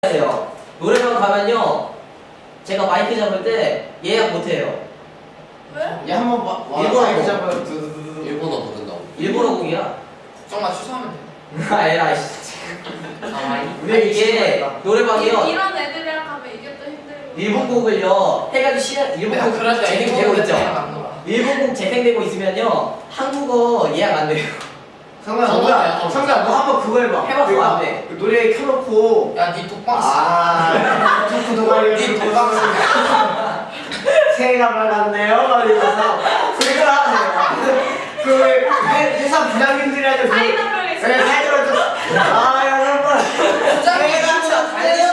돼요. 노래방 가면요 제가 마이크 잡을 때 예약 못해요. 왜? 얘 한번 봐. 일본어 잡아요. 일본어 부른다고. 일본어 곡이야. 정말 취소하면 돼. 아 에라이. 우리 이게 노래방이요. 이런 애들이랑 가면 이게 또 힘들고. 일본 곡을요 해가지고 일본 곡 재생되고 있죠. 일본 곡 재생되고 있으면요 한국어 예약 안 돼요. 성관 뭐야? 성관 너 한번 그거 해봐. 해봤어 안 돼. 그 노래 켜놓고. 야니 독방. 아. 토크 동아리. 니 독방. 새해가 밝았네요. 이러면서 그걸 하세요. 그 회사 부장님들이 하죠. 파이널을 네, 파이널을 아 여러분. 새해가 밝았네요.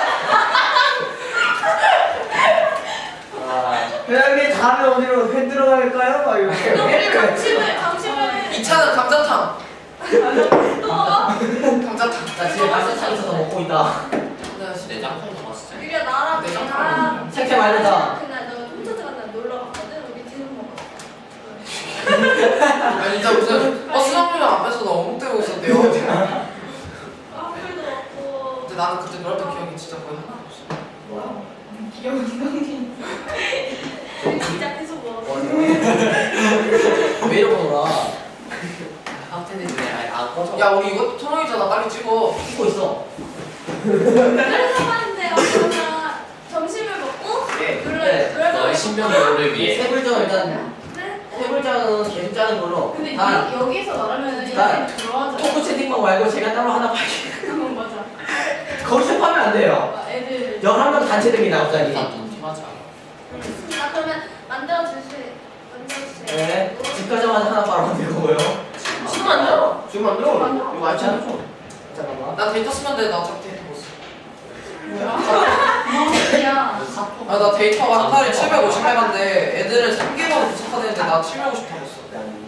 회장님 다음에 어디로 회 들어갈까요? 막 이렇게. 우리 감침을 2차는 감자탕. 또 감자탕. 나 지금 말씀창에서 더 먹고 있다. 내장탕도 맛있지. 유리야 나랑 색채 말르다. 그날 너 콘서트 갔다 놀러 갔거든. 우리 뒤로 먹었어. 아 진짜 무슨 버스 정류장 앞에서 너 어묵대고 있었대요. 와플도 먹고. 근데 나는 그때 놀았던 기억이 진짜 거의 하나도 없어. 뭐야? 기억이 진짜 계속 먹었어. 왜 이러고 놀아? 야 우리 이것도 토론이잖아. 빨리 찍어. 찍고 있어. 그래서 말인데요. 그러면 점심을 먹고 네. 신변을 위해. 세불장 일단 네? 세불장은 계속 짜는 걸로. 근데 단 여기서 말하면 난 들어가자. 토크 채팅방 말고 제가 따로 하나 팔게. 맞아. 거기서 파면 안 돼요. 애들. 11명 단체 등이 나오자니. 아 그러면 만들어 주세요. 네. 집 가자마자 하나 바로 만들 거고요. 지금 안 돼? 지금 만들어. 이거 맞지 않아? 잠깐만. 나 데이터 쓰면 돼. 나 어차피 데이터 못 써. 야. 아 나 데이터가 한 달에 750메가인데 애들은 3개월 도착하는데 나 750 탔어.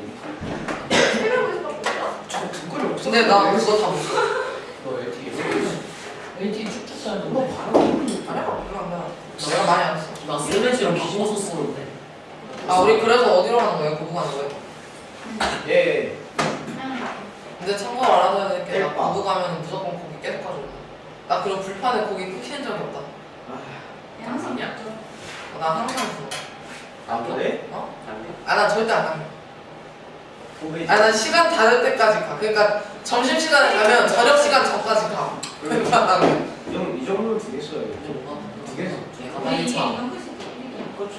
저 댓글이 없어. 근데 나 그거 다 못 써. 너 LTE 쭉 탔어야 너 바로. 아니야? 별로 안 나. 내가 많이 안 써. 나 스트레스랑 기본소 쓰는데. 아 우리 그래서 어디로 가는 거예요? 고부 가는 거예요? 예. 근데 참고로 알아둬야 될 게 나 대박. 고부 가면 무조건 고기 계속 가져가. 나 그런 불판에 고기 끊기는 적이 없다. 양상이야. 나 항상 줘. 아 그래? 어? 아 나 절대 안 남겨. 고기. 아 난 시간 다 될 때까지 가. 그러니까 점심 시간에 가면 저녁 시간 전까지 가. 그러니까 나는 이 정도면 되겠어요. 두 개서. 그렇죠.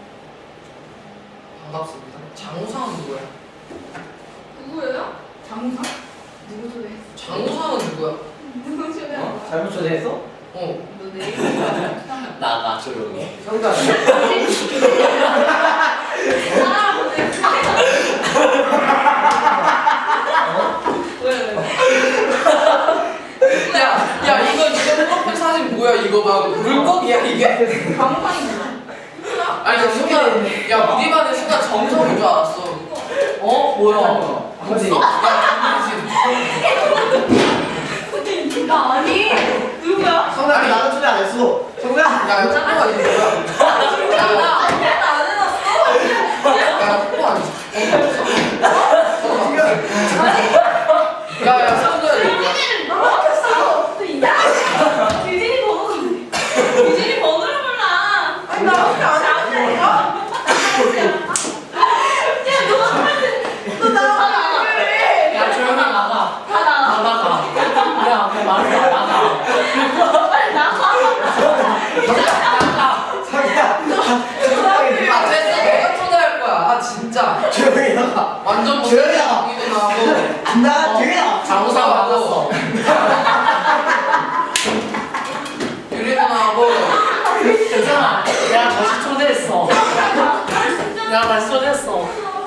반갑습니다. 장우상은 누구야? 누구예요? 장우상? 누구 소개? 장우상은 누구야? 누구 소개? 잘못 초대했어? 어. 너 내일 나가 조용히. 성관. 사람 보내. 야 이거 프로필 사진 뭐야 이거 막 물고기야 이게. 방방이잖아. 아니 나 순간 야 우리 반에 순간 정성인 줄 알았어. 어? 뭐야? 뭐지? 나 아니. 누구야? 성관 나는 초대 안 했어. 성관. 야 이거 뽀뽀가 이게 뭐야? 나 아무것도 안 해놨어. 야 뽀뽀 아니지? 야야 성도야 이거. 유진이를 넣어놨어. 유진이 번호가 유진이 번호를 몰라. 아니 나 그렇게 안 했는데 이거? 야 너 나가 그래. 야 조용히 나가. 다 나가. 나가. 야, 그 말을 나가. 빨리 나가. 아 됐어 내가 초대할 거야. 아 진짜. 조용히 나가. 완전 조용히 나가. 이거 나고. 안 나가. 조용히 나가. 장우상 나갔어. 유리 누나하고. 괜찮아. 내가 다시 초대했어. 내가 다시 초대했어.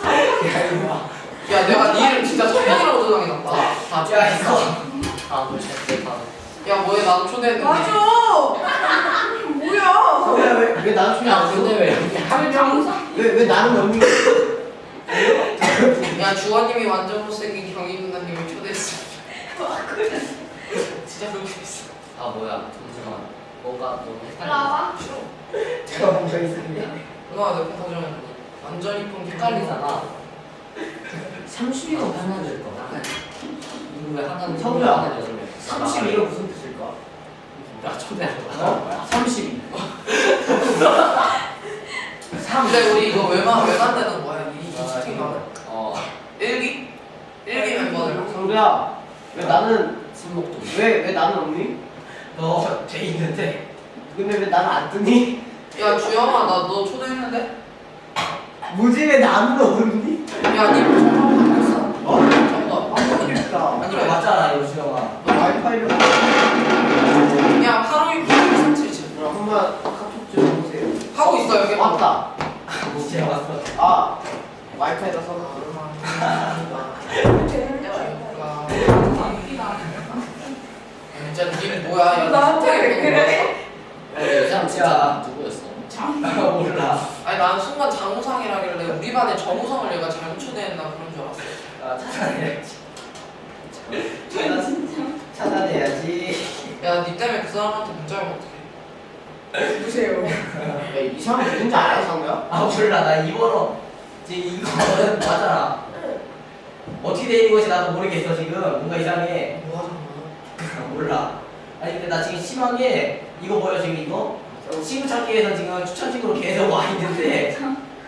야 내가 네 이름 진짜 천명이라고 저장해놨다. 야 이거. 아, 너 진짜 다. 야 뭐해 나도 초대했는데. 뭐야? 성관 왜 나는 초대 안 근데 했어? 왜 이렇게 하면 장우상? 왜 나는 없는 야 주원님이 완전 못생긴 경희 누나님을 초대했어. 진짜 그렇게 했어. 아 뭐야? 잠시만. 뭔가 너무 헷갈려. 나와. 제가 뭔가 있습니다. 누나가 내폰 가져오면 완전 이쁜 헷갈리잖아. 32가 하나 될 거야. 누구 왜 하나는 성우야. 32가 무슨 뜻일까? 초대하는 거야. 30. 근데 우리 이거 왜 만드는 거야? 이 채팅방을? 일기 멤버들. 성규야, 왜 나는 손목도. 왜 나는 없니? 너돼 있는데. 근데 왜 나는 안 뜨니? 야 주영아 나 너 초대했는데? 뭐지 왜 나는 없니? 야니 정답 바뀌었어. 어? 정답. 모르겠다. 아니 이거 맞잖아 이거 수영아. 와이파이를 야 852 9377 그럼 한번 카톡 좀 해보세요. 하고 있어 여기. 왔다. 진짜 왔어. 아 와이파이다 써서. 진짜 느낌이 뭐야? 야, 나한테 왜 채팅에 그래? 이 사람 진짜 누구였어? 몰라. 아니 나는 순간 장우상이라길래 우리 반에 정우성을 얘가 잘못 초대했나 그런 줄 알았어. 아 차단해야지. 진짜. 차단해야지. 야니 때문에 그 사람한테 문자 오면 어떡해? 누구세요? 이 사람 누군지 알아 상규야? 아 몰라 나 이거로 지금 이거는 맞잖아. 어떻게 되는 것이 나도 모르겠어 지금 뭔가 이상해. 뭐 하는 거야? 몰라. 아니 근데 나 지금 심하게 이거 보여 지금 이거? 친구 찾기에서 지금 추천 친구로 계속 와 있는데.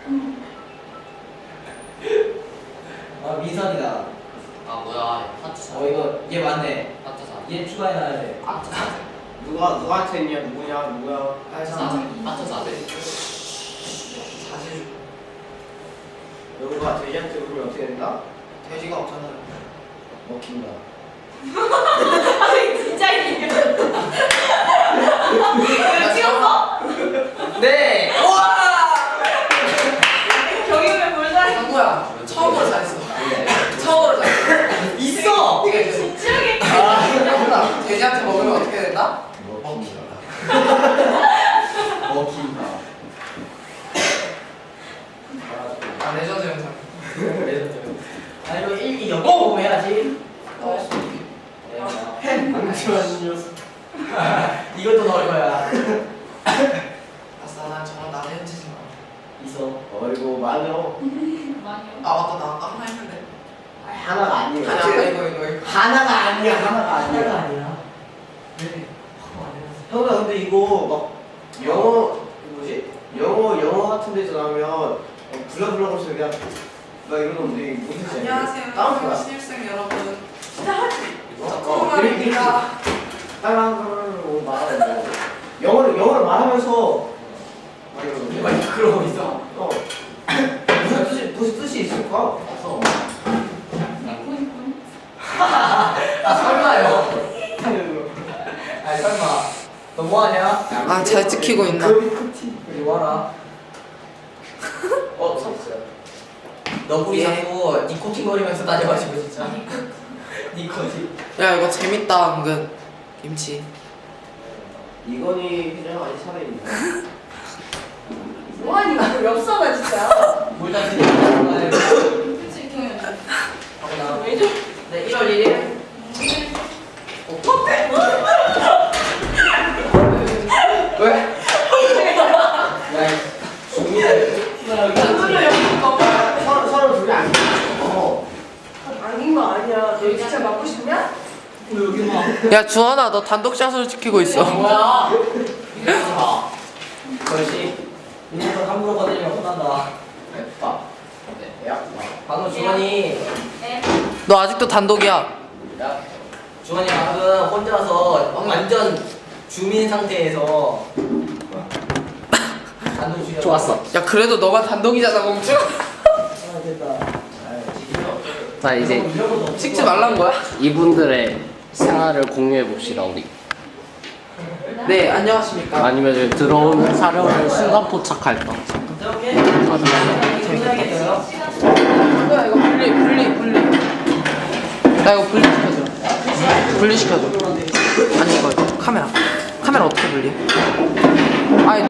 아 민선이다. 아 뭐야 하트 사 이거 얘 맞네. 하트 사 얘 추가해놔야 돼. 하트 사 누구한테 했냐? 누구야? 알잖아. 하트 사대 사실 누구가 돼지한테 그러면 어떻게 된다? 돼지가 없잖아. 먹힌다. 아 진짜 이게. 왜 찍었어? 네. 경영을 뭘 잘해? 상구야 처음으로 잘했어. 처음으로 잘했어. 있어. 이게 진지하게. 상구야 돼지한테 먹으면 어떻게 된다? 먹힌다. 먹힌다. 아 레전드 영상. 아 이거 일기 역공 해야지. 잠시만요. 이것도 넣을 거야. 아싸 난 저런 나대 흔치지 마. 있어. 어이구 많어. 많이요. 아 맞다 나 아까 하나 했는데. 하나가 아니야. 아니 아까 이거. 하나가 아니야. 하나가 아니야. 아니야. 형아 근데 이거 막 영어 영어 같은 데서 나오면 블라블라고 해서 그냥 막 이러는데 이게 무슨 뜻이야? 안녕하세요. 다운 거야. 신입생 여러분. 이렇게 코로나입니다. 따라하고 말하는 영어를 말하면서 막 이러는데 막 그러고 있어. 무슨 뜻이 있을까? 없어. 니콘. 아 설마요. 아니 설마. 너 뭐하냐? 아 잘 찍히고 있나? 이리 와라. 섰어요. 너구리 자꾸 니코틴 거리면서 다녀가지고 진짜. 니코틴. 야 이거 재밌다 은근. 김치. 이건희 회장 아직 살아있네. 뭐하니 나 엽서가 진짜. 물 다스리는 거. 그치 경영. 하고 나. 왜 저? 네 1월 1일. 왜? 야 중미들. 서로 둘이 안 아닌 거 아니야. 너 진짜 맞고 싶냐? 여기 막. 야 주원아 너 단독샷으로 찍히고 있어. 뭐야? 그렇지. 이제부터 함부로 건드리면 혼난다. 빠. 야. 방금 주원이. 네. 너 아직도 단독이야. 야, 주원이 방금 혼자서 완전 주민 상태에서 단독 주연. 좋았어. 야 그래도 너가 단독이잖아 멍충. 아 됐다. 자 이제 찍지 말란 거야? 이분들의 생활을 공유해 봅시다 우리. 네 안녕하십니까. 아니면 이제 들어온 사령을 순간 포착할까. 이렇게 해야겠어요. 야 이거 분리. 나 이거 분리시켜줘. 분리시켜줘. 아니 이거 카메라 어떻게 분리? 아니